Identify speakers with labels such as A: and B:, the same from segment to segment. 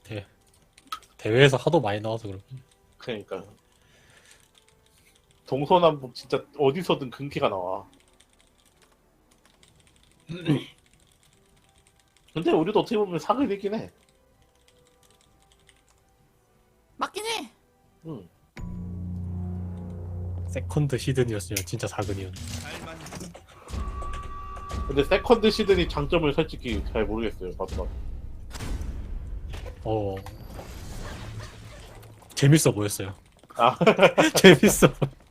A: 대회에서 하도 많이 나와서 그렇고.
B: 그러니까 동서남북 진짜 어디서든 근캐가 나와. 근데 우리도 어떻게 보면 사극이긴 해.
C: 맞긴 해.
B: 응.
A: 세컨드 시즌이었으면 진짜 사근이었네.
B: 근데 세컨드 시즌이 장점을 솔직히 잘 모르겠어요. 봐도.
A: 재밌어 보였어요.
B: 아
A: 재밌어.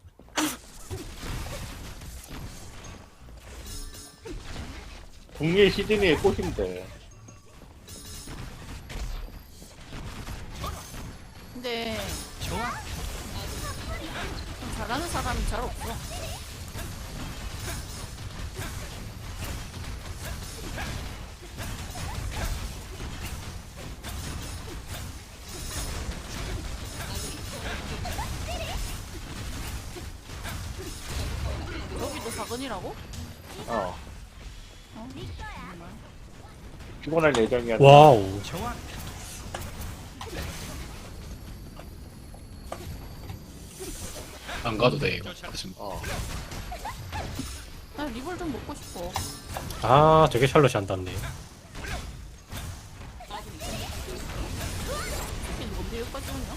B: 국내 시즌이 꽃인데.
C: 근데 좀 잘하는 사람이 잘 없어. 여기도 사건이라고?
B: 어.
C: 어? 정말.
B: 피곤할 예정이야.
A: 와우.
D: 안 가도 돼 이거. 지금
B: 어.
C: 나 리볼 좀 먹고 싶어.
A: 아, 저게 샬롯이 안 닿네.
C: 이게 뭔데 여기까지 오냐?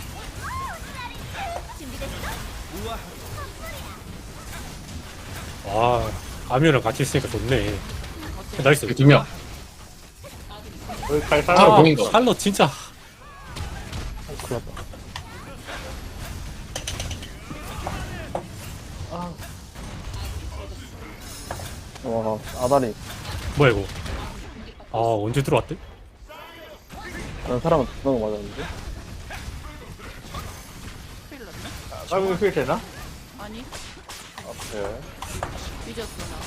A: 와, 아미랑 같이 있으니까 좋네.
C: 어때?
A: 나이스.
D: 두 명.
B: 여기 갈
A: 아,
B: 사람
D: 공인 거.
A: 샬롯 진짜.
E: 큰일 났다. 와, 아다리.
A: 뭐야 이거? 아, 언제 들어왔대?
E: 다른 사람은 두명 맞았는데?
C: 큰일 났네.
B: 까면 휠 되나?
C: 아니
B: 오케이.
C: 늦었어 나.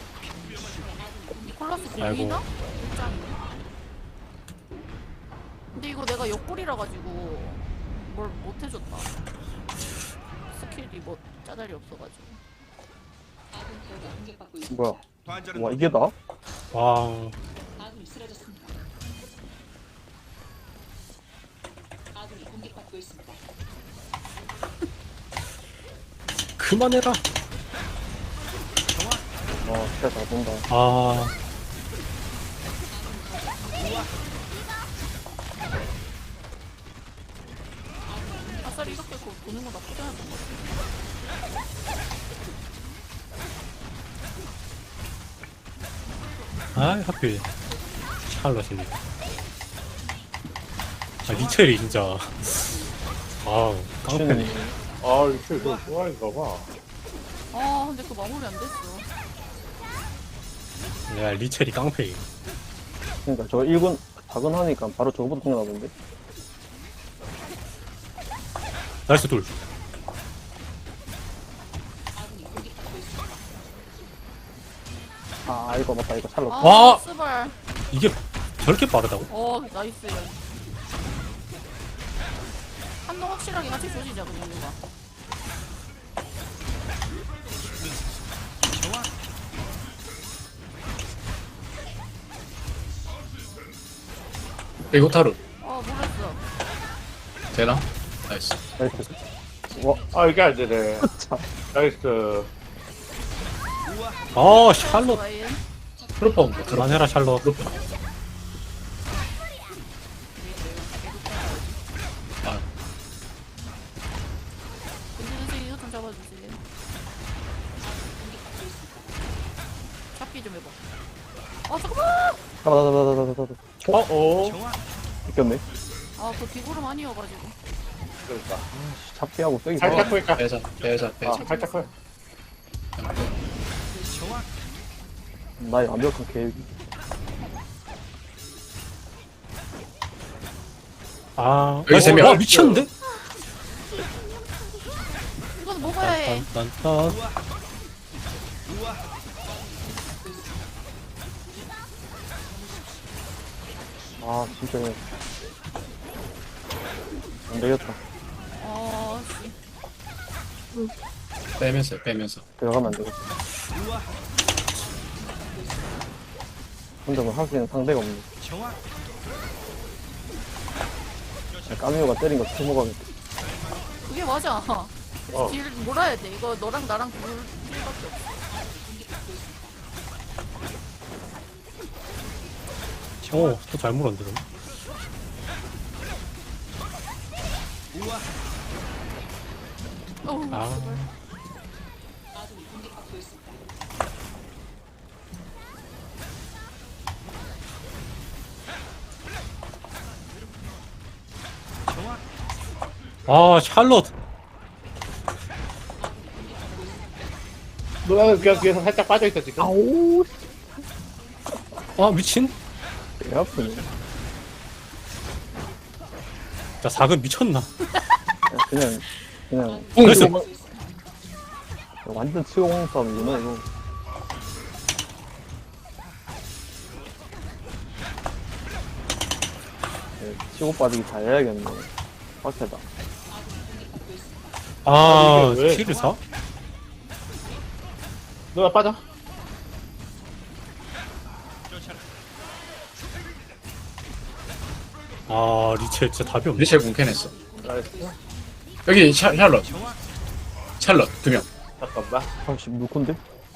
C: 니콜라스
A: 아이고.
C: 들리나? 짱이네. 근데 이거 내가 옆구리라 가지고 뭘 못해줬다. 스킬이 뭐 짜달이 없어가지고.
E: 뭐야? 와, 이게 나?
A: 와, 그만해라.
E: 와, 진짜 잘 본다.
A: 아,
C: 아싸리 이렇게 보는 거 나쁘지 않았던 것 같아.
A: 아, 하필 샬롯이네. 아, 리첼이 진짜. 아우, 깡패네.
B: 아 이거 너 좋아인가 봐.
C: 아 근데 그 마무리 안 됐어.
A: 야, 리첼이 깡패.
E: 그러니까 저 1군 작은 하니까 바로 저거부터 생각나던데?
A: 나이스 둘.
E: 아, 이거 맞다. 이거 찰로.
C: 아
A: 와!
C: 스발.
A: 이게 저렇게 빠르다고?
C: 나이스. 한동 확실하게 같이 조지자 그냥 누가.
D: 그리고 타루
C: 몰랐어.
D: 되나? 나이스.
E: 나이스. 와,
B: 아 이게 안 되네.
E: 참.
B: 나이스.
A: 아, 샬롯.
C: 와인.
D: 프로퍼 뭐 들어.
A: 그만해라, 샬롯.
D: 아,
C: 근데 이거 좀 잡아주지. 잡기 좀 해봐. 잠깐만.
E: 잡아.
B: 어?
E: 이겼네.
C: 그 비구름 아니어가지고.
B: 그러니까.
E: 잡기하고 세기
B: 살짝
E: 좋아.
B: 뺄까?
D: 빼자.
B: 살짝 뺄.
E: 나의 완벽한 계획.
A: 아,
D: 여기 세 명.
A: 와, 미쳤는데?
C: 이거는 먹어야 해.
A: 딴딴딴.
E: 아, 진짜. 안 되겠다.
C: 씨.
D: 빼면서.
E: 들어가면 안 되겠다. 혼자 뭐 할 수 있는 상대가 없네. 까미오가 때린 거 처먹어야겠다.
C: 그게 맞아.
B: 어.
C: 딜 몰아야 돼. 이거 너랑 나랑 둘 딜밖에 없어.
A: 또잘 물었는데, 너.
C: 어우,
A: 아.
C: 씨발.
A: 샬롯!
B: 누나는 그냥 뒤에서 살짝 빠져있어 지금.
E: 아우,
A: 미친?
E: 배 아프네.
A: 자, 4근 미쳤나?
E: 그냥
A: 나이스!
E: 완전 치공 싸움이구나, 이거. 네, 치고 빠지기 잘해야겠네. 빡세다.
B: 이게 왜?
A: 킬을 사?
B: 누나 빠져.
A: 리첼 진짜 답이 없네.
D: 리첼 공캔했어.
B: 나이스.
D: 여기 샬럿. 샬럿 2명.
B: 잠깐만.
E: 아씨, 물건데?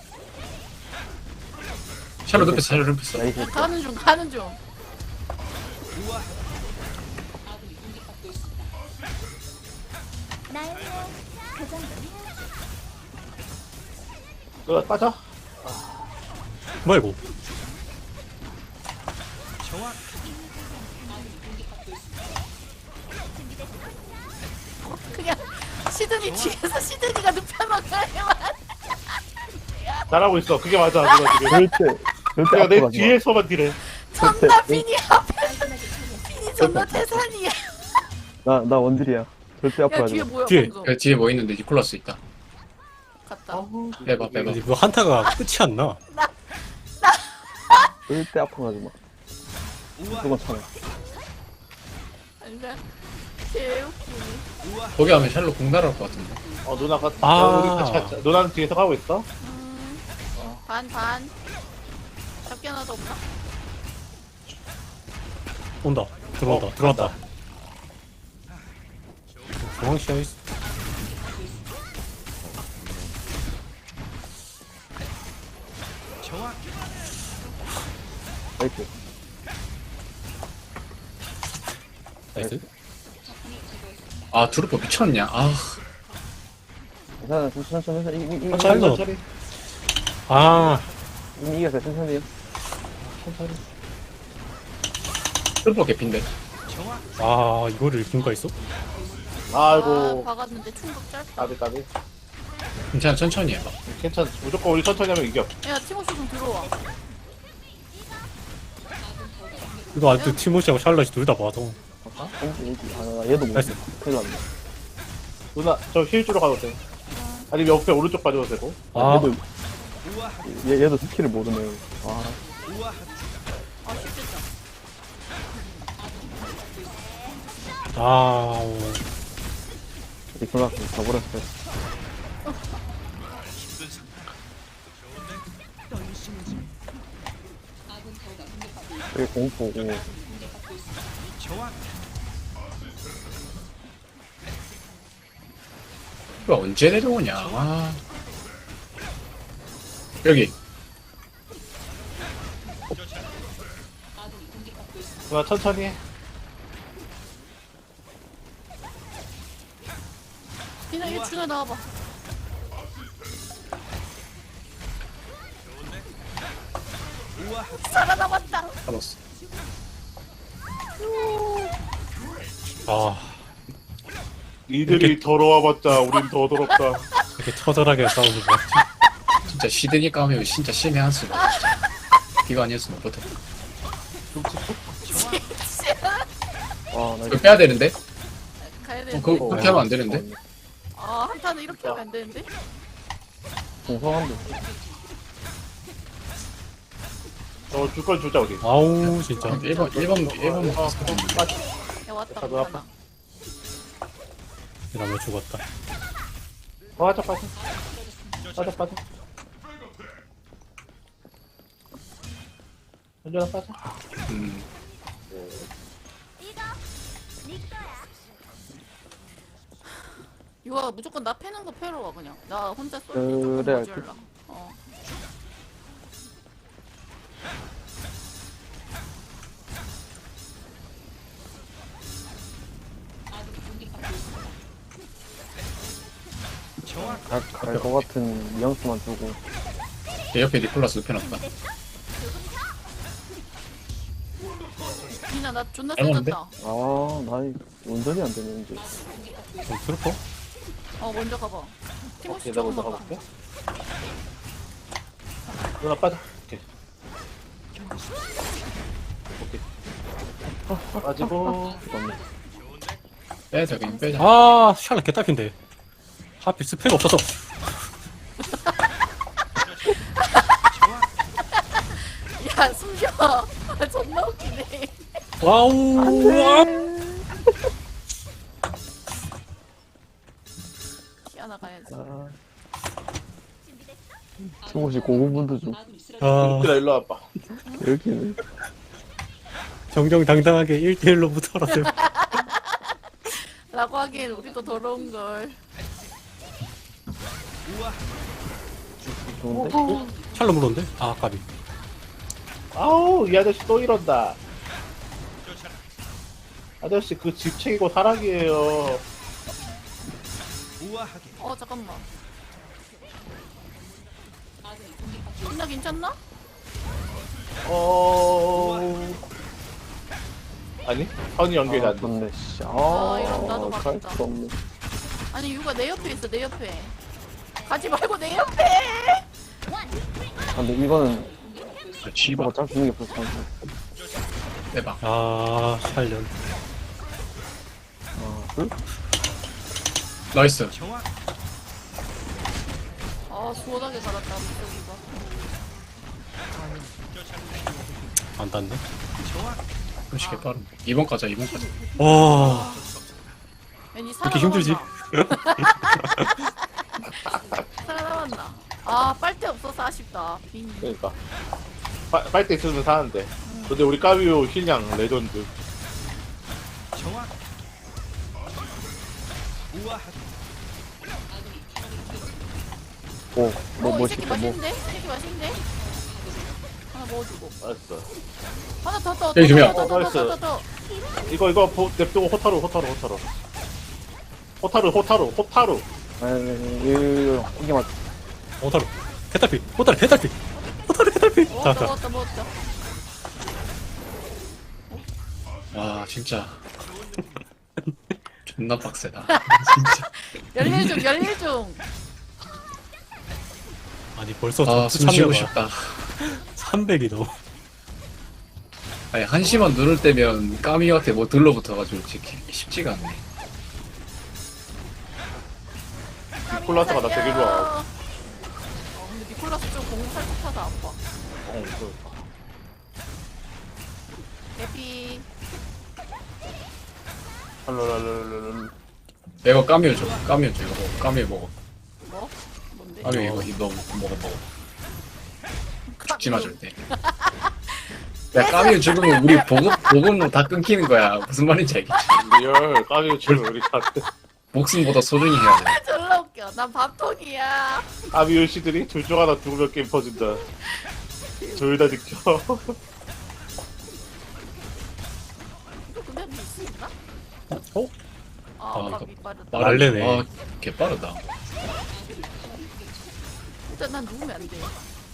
D: 샬럿 눕혔어. 샬럿 눕혔어.
E: 나이스.
C: 가는 중, 가는 중.
B: 누나 빠져.
A: 뭐야, 이거?
C: 그냥 시드니 뒤에서 시드니가 눕혀놓으면
B: 잘하고 있어. 그게 맞아. 누나 지금.
E: 절대
B: 내가 내
E: 앞으로 가지 마.
B: 뒤에서만 딜해.
C: 존나 빈이 앞에 빈이 존나 태산이야.
E: 나 원딜이야. 절대 앞으로
C: 야
E: 가지
C: 뒤에
E: 마.
C: 뭐야
A: 뒤에.
C: 방금.
D: 뒤에 뭐 있는데 니콜라스 있다.
C: 갔다.
D: 빼봐 빼봐.
A: 이거 한타가 끝이 안 나.
E: 절대 앞으로 가지 마. 무조건 참아.
C: 아니면 개웃기네.
D: 거기 하면 샬럿 공 날아올 것 같은데.
B: 누나가
A: 아.
B: 우리 같이 하자. 누나는 뒤에서 가고 있어.
C: 반. 잡기 하나도 없나?
A: 온다. 들어왔다. 중앙 시야에 있어.
E: 나이스.
A: 나이스.
D: 아 드루퍼 미쳤냐? 아
E: 괜찮아, 천천히. 이미
A: 샬럿.
B: 천천히.
E: 이겼어요, 천천히요.
D: 드루퍼 개핀데.
A: 이거를 이긴가 있어?
B: 아이고.
C: 박았는데 충격 짧다.
B: 까비.
D: 괜찮아 천천히 해봐.
B: 괜찮아. 무조건 우리 천천히 하면 이겨.
C: 야 티모시 좀 들어와.
A: 이거 아직도 티모시하고 샬럿이 둘 다 봐도.
E: 얘도 못.
A: 나이스.
E: 큰일 났네.
B: 누나 저 힐 주러 가도 돼. 아니면 옆에 오른쪽 빠져도 되고.
E: 얘도 스킬을 모르네.
C: 쉽겠다.
E: 이제 클라스 가버렸어요. 여기 공포고.
D: 이거 언제 내려오냐? 여기
B: 누나 천천히 해.
C: 그냥 얘 중에 나와봐. 살아남았다.
D: 잡았어.
B: 이들이 더러워봤자 우린 더 더럽다.
A: 이렇게 처절하게 싸우는 거 같지?
D: 진짜 시드니 까면 진짜 신의 한 수다. 진짜. 이거 아니었으면 못해.
E: 나
D: 이거 빼야 되는데?
C: 가야 되는데.
D: 그렇게 하면 안 되는데?
C: 한타는 이렇게 하면 안 되는데.
E: 공성한데.
B: 줄건 주자 우리.
A: 진짜.
D: 1번
C: 야 왔다.
B: 가도 아파.
C: 하나.
A: 이러면 죽었다.
B: 빠져. 현준아 빠져.
D: 음.
C: 이거 무조건 나 패는 거 패러 와 그냥. 나 혼자 쏠 때
E: 그래,
C: 조금
E: 알겠어.
C: 모자라. 어.
E: 갈것 같은 뉘앙스만 주고.
D: 내 옆에 니콜라스 눕혀놨다.
C: 미나 나 존나
D: 알았는데?
C: 세졌다.
E: 아, 나이 운전이 안 되네, 이제.
A: 좀 슬퍼?
C: 어 먼저 가봐. 티모시
B: 오케이, 나 먼저
C: 조금만 가.
B: 가볼게. 누나 빠져. 오케이. 오케이. 빠지고.
E: 맞네.
D: 빼자 그냥 빼자.
A: 아 샬럿 개딸핀데 하필 스펙 없어서
C: 야 숨겨. 아, 존나 웃기네.
A: 와우
C: 키아나 가야지.
E: 아. 티모시 고군분도 좀.
A: 아
B: 얘들아, 일로 와봐.
E: 이렇게네.
A: 정정당당하게 1대1로 붙어라세요.
C: 라고 하기엔 우리도 더러운 걸.
E: 좋은데?
A: 샬럿 물었는데? 아 까비.
B: 아우, 이 아저씨 또 이런다. 아저씨, 그 집 챙기고 사랑이에요.
C: 어 잠깐만. 미나 괜찮나?
B: 아니, 선이 연결이
E: 아,
B: 안 돼.
E: 좋네, 씨.
C: 이런 나도
E: 갈
C: 바꾼다.
E: 수 없네.
C: 아니 유가 내 옆에 있어 내 옆에. 가지 말고 내 옆에.
E: 아, 근데 이거는
D: 아, 씨발.
E: 어차피 주는 게 없어서.
D: 빼봐.
A: 아 샬럿.
E: 아, 둘?
D: 나이스.
C: 아 수월하게 갈았다 무적이가.
A: 안 닿네.
D: 그렇지 개빠른. 2번 가자 2번 가자.
A: 와
C: 괜히
A: 이렇게 힘들지?
C: 살아남았나? 아 빨대 없어서 아쉽다. 빈.
B: 그러니까. 빨대 있으면 사는데. 근데 우리 까비오 힐량 레전드.
E: 오,
C: 이
E: 뭐
C: 새끼
E: 시켜, 뭐.
C: 맛있는데? 이 새끼 맛있는데? 하나 먹어주고.
B: 알았어.
C: 하나 더.
D: 여기 두 명.
C: 더.
B: 이거, 냅두고 호타루.
E: 이거, 이게 맞,
A: 오타루 개딸피 오타루 개딸피 오타루 개딸피.
C: 먹었다.
D: 와 진짜. 존나 빡세다. 진짜.
C: 열일 중.
A: 아니 벌써
D: 아
A: 접수
D: 숨 쉬고
A: 참여가
D: 싶다.
A: 300이 넘어.
D: 아니 한시만 누를 때면 까미한테 뭐 들러붙어가지고 쉽지가 않네.
B: 니콜라스가 나 되게 좋아.
C: 근데 니콜라스 좀 공팔뚝 타서 아파. 예피.
B: 랄랄랄랄랄.
D: 내가 까미를 줘. 까미를 줘. 이거 먹어. 까미 먹어.
C: 뭐? 뭔데?
D: 까미 이거 먹어. 죽지 마 절대. 야 까미 죽으면 우리 보급로 다 끊기는 거야. 무슨 말인지 알겠지?
B: 리얼 까비오 지금 우리 같은
D: 목숨보다 소중히 해야 돼.
C: 졸라 웃겨. 난 밥통이야.
B: 까비오 씨들이 둘 중 하나 죽으면 게임 퍼진다. 둘 다 지켜.
C: 근데 할수 있나?
A: 어?
C: 아,
D: 아,
C: 밥이 빠르다.
A: 말래네.
D: 아, 개 빠르다.
C: 일단 난 누우면 안 돼.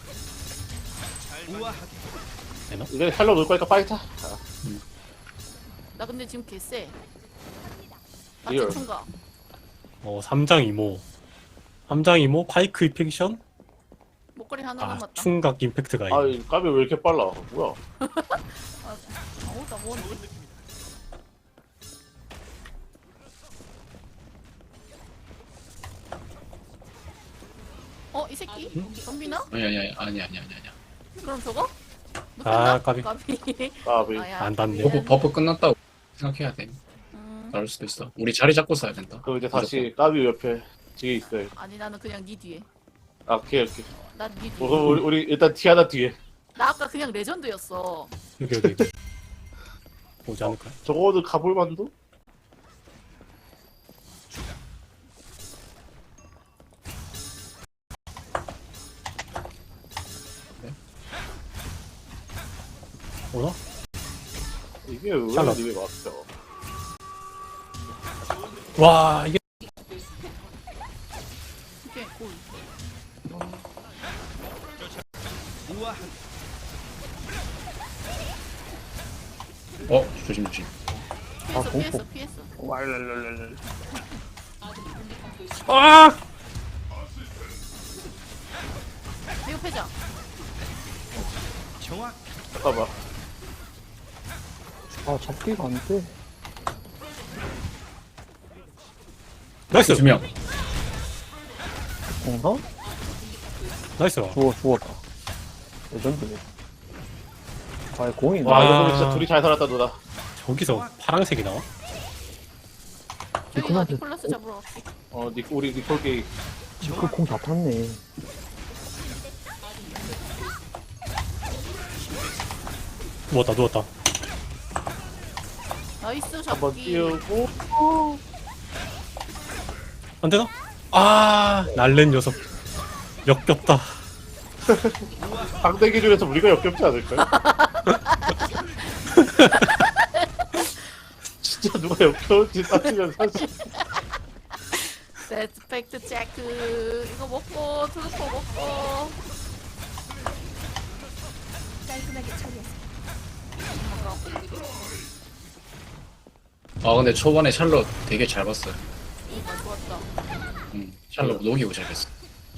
B: 이제 살려 놓을 거니까 빨리 타.
C: 나 근데 지금 개쎄. 나
B: 리얼.
C: 대충가.
A: 3장 이모 파이크 이펙션
C: 목걸이 하나
A: 아
C: 남았다.
A: 충각 임팩트가
B: 아,
A: 있네.
B: 이 까비오 왜 이렇게 빨라? 뭐야?
C: 나 뭔데? 이 새끼? 덤비나?
D: 아니야.
C: 그럼 저거?
A: 아, 까비.
B: 까비.
C: 아야.
A: 안 닿네.
D: 버프 끝났다고 생각해야 돼.
C: 음,
D: 나올 수도 있어. 우리 자리 잡고 써야 된다.
B: 그럼 이제 다시 까비오 옆에 뒤에 있어요.
C: 아니 나는 그냥 니 뒤에.
B: 아, 오케이.
C: 난 니 뒤에.
B: 그럼 우리 일단 티아나 뒤에.
C: 나 아까 그냥 레전드였어.
A: 여기. 오지 않을까?
B: 저거는 가볼 만도? 왜
A: 샬럿.
B: 님이 왔어?
A: 와 이게
C: 이게 골.
D: 조심 조심.
C: 피했어
E: 공포.
C: 피했어 피했어.
B: 왈랄랄랄.
A: 아
C: 이거 패자.
B: 잠깐만.
E: 아, 잡기가 안 돼.
A: 나이스
D: 두 명.
E: 공나?
A: 나이스.
E: 죽었다. 레전드네. 아, 공이
B: 와,
A: 아.
B: 이거 보니 진짜 둘이 잘 살았다, 누나.
A: 저기서 파랑색이 나와?
C: 저희가
E: 그만해.
C: 니콜라스 잡으러 갈게.
B: 우리 니콜 게이.
E: 그공 다 탔네.
A: 누웠다.
C: 나이스
B: 한번
C: 잡기.
B: 띄우고.
A: 안 되나? 아 날랜 녀석. 역겹다.
B: 상대 기준에서 우리가 역겹지 않을까요? 진짜 누가 역겨운지 따지면 사실.
C: 세트 팩트 체크. 이거 먹고 트루퍼 먹고. 깔끔하게 처리했어.
D: 근데 초반에 샬롯 되게 잘 봤어요.
C: 아 좋았다.
D: 샬롯 녹이고 잘 봤어.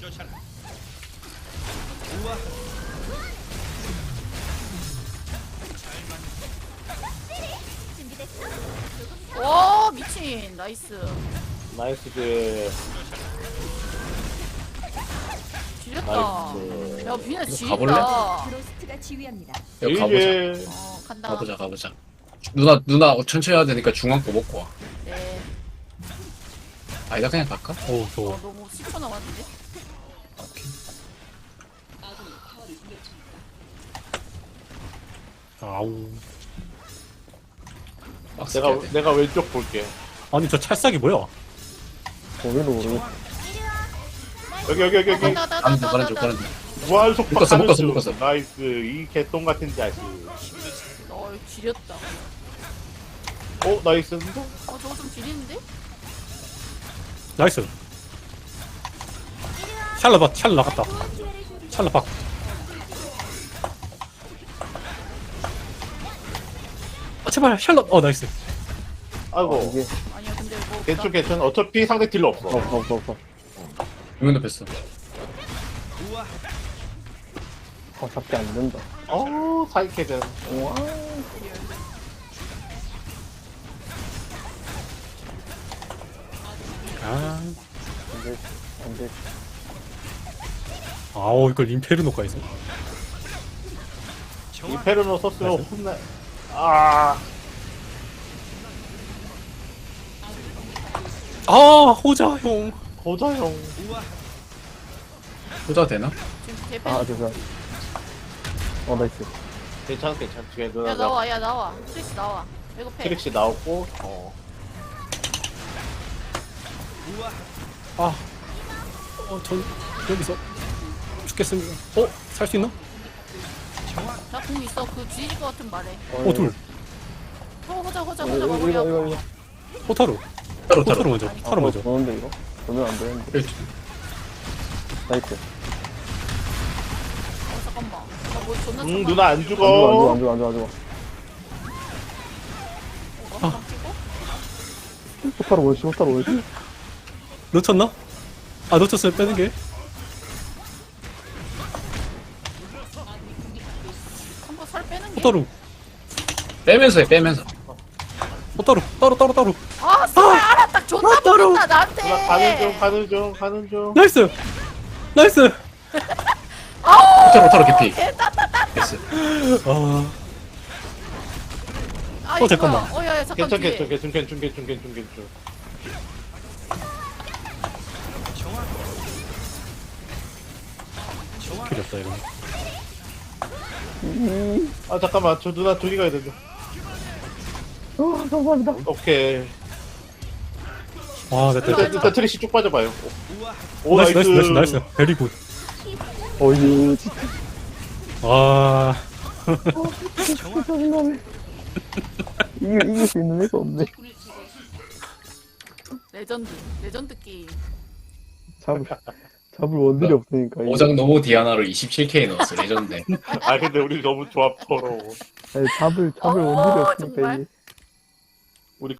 C: 와 미친 나이스.
B: 나이스 그
C: 지렸다.
B: 나이스.
C: 야 비나
D: 가볼래?
C: 지린다.
F: 브로스트가 지휘합니다.
D: 여기 가보자.
B: 이게
C: 간다.
D: 가보자. 누나 천천히 해야 되니까 중앙 거 먹고 와.
C: 네.
D: 아니다 그냥 갈까?
A: 오 좋아.
C: 너무 10초 남았는데.
D: 오케이.
A: 아우.
D: 빡세게 해야 돼.
B: 내가 왼쪽 볼게.
A: 아니 저 찰싹이 뭐야?
E: 거기로 모르겠어.
B: 여기.
D: 가는 중.
B: 무한 속박
D: 묶었어,
B: 하는
D: 묶었어,
B: 중.
D: 묶었어.
B: 나이스. 이 개똥 같은 자식.
C: 지렸다.
B: 나이스인데?
C: 저거 좀 지리는데?
A: 나이스. 샬럿 나갔다. 샬럿 박. 아 제발 샬럿. 나이스.
B: 아이고.
E: 이게,
C: 아니야 근데 뭐.
B: 괜찮. 어차피 상대 딜러 없어.
E: 없어.
D: 두명 뺐어.
E: 잡기 안 된다.
B: 사이캐전.
E: 우와.
A: 아.
E: 안 돼.
A: 아우 이걸 임페르노가 있어.
B: 이페르노 썼으면 혼나. 아,
A: 아 호자 형.
B: 고자형.
D: 후자 되나?
C: 지금 개패.
E: 아, 죄송. 나이스.
B: 괜찮. 뒤에
C: 야
B: 누나가
C: 나와. 트릭스 나와. 이거 패.
B: 트릭시 나오고.
A: 전 여기서 죽겠습니다. 살 수 있나?
C: 나공 있어. 그 뒤질 것 같은 말해.
A: 둘.
C: 호자
E: 이거.
C: 마무리하고.
A: 호타루.
D: 따로
A: 호타루 먼저. 타루 먼저.
E: 보는데, 이거? 보면 안 되는데. 나이스.
C: 잠깐만. 나뭐 존나
B: 누나 안
E: 안
B: 죽어.
E: 죽어. 호타로 올지.
A: 놓쳤나? 아 놓쳤어요. 빼는 게.
C: 한번 살 빼는 게.
A: 호타루.
D: 빼면서 해.
A: 호타루. 따로.
C: 아 알아 딱 존나
A: 따로.
C: 붙었다 나한테.
B: 누나 가는 중.
A: 나이스.
D: 호타로 개피. 됐어.
A: 잠깐만.
C: 야야 잠깐 뒤에.
B: 괜찮.
A: 필요 없다 이거.
B: 잠깐만. 저 누나 둘이 가야 된다.
E: 감사합니다.
B: 오케이.
A: 됐다.
B: 일단 트릭시 쭉 빠져봐요.
A: 나이스. 베리 굿.
E: 어이, 진짜.
A: 아.
E: 짜증나네. 이길 수 있는 애가 없네.
C: 레전드 게임.
E: 잡을 원딜이 없으니까. 이게.
D: 오장 노모 디아나를 27K 넣었어 레전드.
B: 아 근데 우리 너무 조합 더러워.
E: 아니, 잡을 원딜이 없으니까
C: 정말?
E: 이게.